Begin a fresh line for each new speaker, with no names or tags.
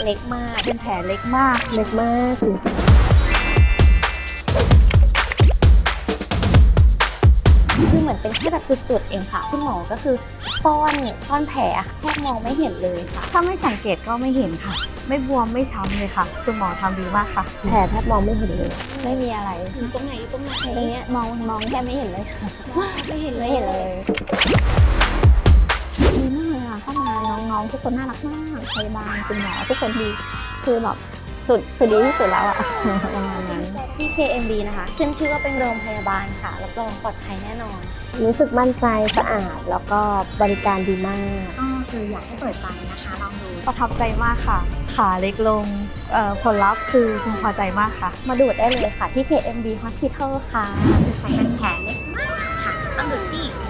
เล็กมาก
เป็นแผลเล็กมากจริง
คือเหมือนเป็นแค่แบบจุดๆเองค่ะคุณหมอก็คือซ่อนแผลแทบมองไม่เห็นเลยค่ะ
ๆถ้าไม่สังเกตก็ไม่เห็นค่ะ ไม่บวมไม่ช้ำเลยค่ะคุณหมอทำดีมากค่ะ
แผลแทบมองไม่เห็นเลย
ไม่มีอะไร
อยู่ตรงไหน
ตรงนี้มองแทบไม่เห็นเลยค่ะ
ไม่เห็น
ไม่เห็นเลยดีมากเลยค่ะเข้ามาน้องๆทุกคนน่ารักมากพยาบาลคุณหมอทุกคนดีคือแบบสุดคือดีที่สุดแล้วอะประมาณนั้นที่ KMB นะคะขึ้นชื่อว่าเป็นโรงพยาบาลค่ะรับรองปลอดภัยแน่นอน
รู้สึกมั่นใจสะอาดแล้วก็บริการดีมาก
ก็คืออยากให้เปิดใจนะคะลองดู
ประทับใจมากค่ะ ขาเล็กลงผลลัพธ์คือพึงพอใจมากค่ะ
มาดูดได้เลยค่ะที่ KMB Hospital ค่ะเป็นแผลเล็กมากค่ะต้องดูที่